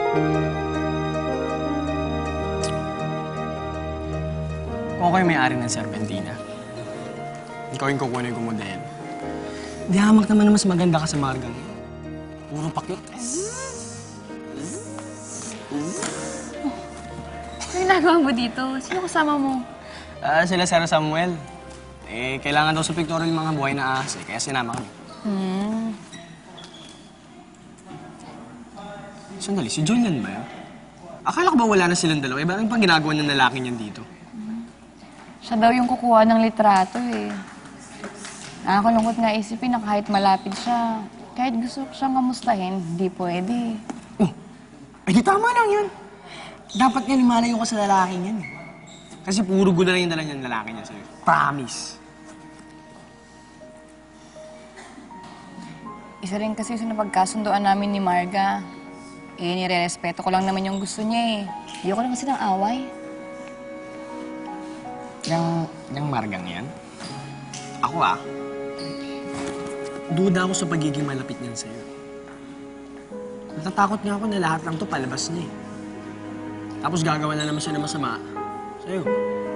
Kung ako yung may-ari ng Serpentina, ikaw yung kukunin ko modelo. Di hamak naman na mas maganda ka sa Margang. Puro pakyut. Ano ginagawa mo dito? Sino kasama mo? Sila Sarah Samuel. Kailangan daw sa pictorial mga buhay na ahas kaya sinama kami. Sandali, si Julian ba yun? Akala ko ba wala na silang dalawa? Ano pang ginagawa ng lalaki niyan dito? Siya daw yung kukuha ng litrato eh. Nakakalungkot nga isipin na kahit malapit siya, kahit gusto siyang kamustahin, hindi pwede. Oh, di tama lang yun. Dapat nga lumalayo ka sa lalaking yan. Kasi puro gulo na yung dala niyan lalaki niya sa'yo. Promise. Isa rin kasi sa napagkasundoan namin ni Marga. Nire-respeto ko lang naman yung gusto niya eh. Ayoko lang kasi ng away. Yung Margang yan? Ako duda ako sa pagiging malapit niyan sa'yo. Natatakot nga ako na lahat lang to palabas niya eh. Tapos gagawa na naman siya ng masama sa'yo.